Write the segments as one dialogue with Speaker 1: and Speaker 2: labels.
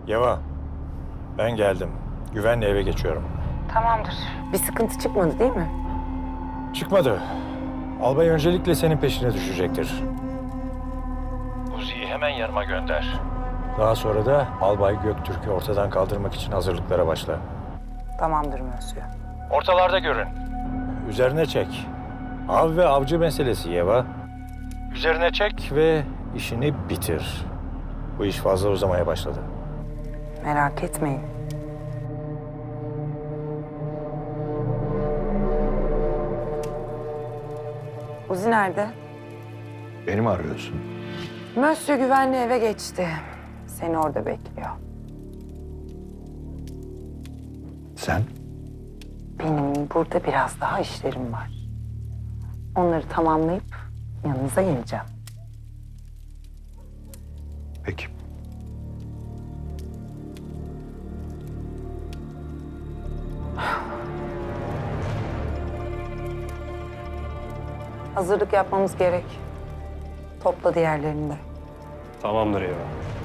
Speaker 1: Yeva, ben geldim. Güvenle eve geçiyorum.
Speaker 2: Tamamdır. Bir sıkıntı çıkmadı değil mi?
Speaker 1: Çıkmadı. Albay öncelikle senin peşine düşecektir. Uzi'yi hemen yanıma gönder. Daha sonra da Albay Göktürk'ü ortadan kaldırmak için hazırlıklara başla.
Speaker 2: Tamamdır Mösyö.
Speaker 1: Ortalarda görün. Üzerine çek. Av ve avcı meselesi Yeva. Üzerine çek ve işini bitir. Bu iş fazla uzamaya başladı.
Speaker 2: Merak etmeyin. Uzi nerede?
Speaker 3: Beni mi arıyorsun?
Speaker 2: Mösyö güvenli eve geçti. Seni orada bekliyor.
Speaker 3: Sen?
Speaker 2: Benim burada biraz daha işlerim var. Onları tamamlayıp yanınıza geleceğim.
Speaker 3: Peki.
Speaker 2: Hazırlık yapmamız gerek. Topla diğerlerini de.
Speaker 4: Tamamdır Eva.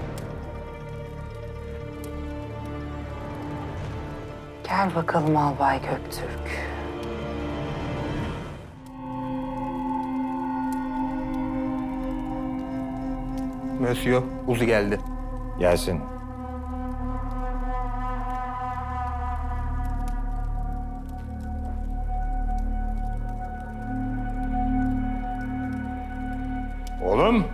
Speaker 2: Gel bakalım Albay Göktürk.
Speaker 5: Monsieur, Uzi geldi.
Speaker 1: Gelsin. Oğlum.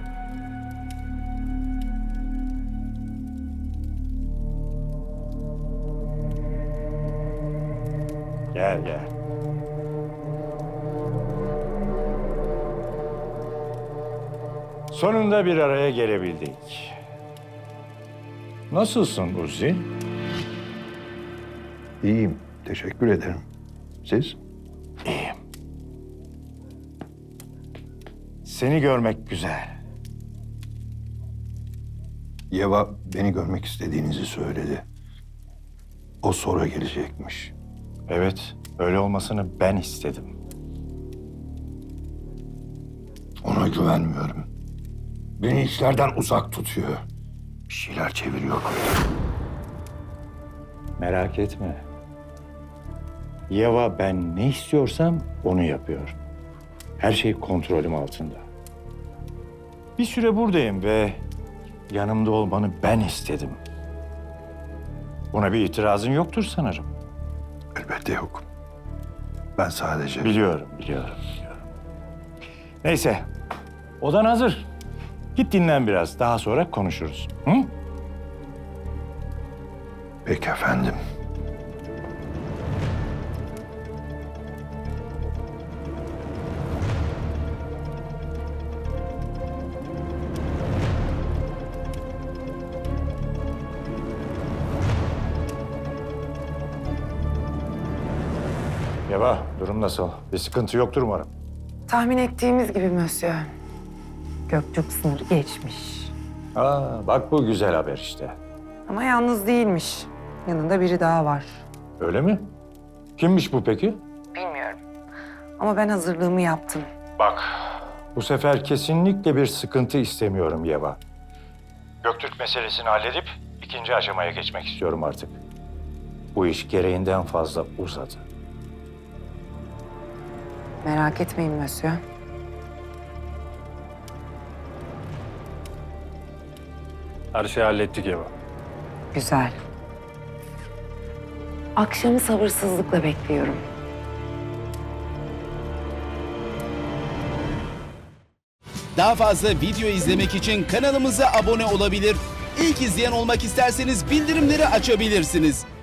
Speaker 1: Gel gel. Sonunda bir araya gelebildik. Nasılsın Uzi?
Speaker 3: İyiyim. Teşekkür ederim. Siz?
Speaker 1: İyiyim. Seni görmek güzel.
Speaker 3: Yeva beni görmek istediğinizi söyledi. O sonra gelecekmiş.
Speaker 1: Evet, öyle olmasını ben istedim.
Speaker 3: Ona güvenmiyorum. Beni işlerden uzak tutuyor. Bir şeyler çeviriyor.
Speaker 1: Merak etme. Yeva ben ne istiyorsam onu yapıyor. Her şey kontrolüm altında. Bir süre buradayım ve yanımda olmanı ben istedim. Buna bir itirazın yoktur sanırım.
Speaker 3: Elbette yok. Ben sadece...
Speaker 1: Biliyorum. Neyse, odan hazır. Git dinlen biraz, daha sonra konuşuruz. Hı?
Speaker 3: Peki efendim.
Speaker 1: Yeva, durum nasıl? Bir sıkıntı yoktur umarım.
Speaker 2: Tahmin ettiğimiz gibi Mösyö. Göktürk sınırı geçmiş.
Speaker 1: Aa, bak bu güzel haber işte.
Speaker 2: Ama yalnız değilmiş. Yanında biri daha var.
Speaker 1: Öyle mi? Kimmiş bu peki?
Speaker 2: Bilmiyorum. Ama ben hazırlığımı yaptım.
Speaker 1: Bak, bu sefer kesinlikle bir sıkıntı istemiyorum Yeva. Göktürk meselesini halledip ikinci aşamaya geçmek istiyorum artık. Bu iş gereğinden fazla uzadı.
Speaker 2: Merak etmeyin Mösyö.
Speaker 4: Her şeyi hallettik Eva.
Speaker 2: Güzel. Akşamı sabırsızlıkla bekliyorum.
Speaker 6: Daha fazla video izlemek için kanalımıza abone olabilir. İlk izleyen olmak isterseniz bildirimleri açabilirsiniz.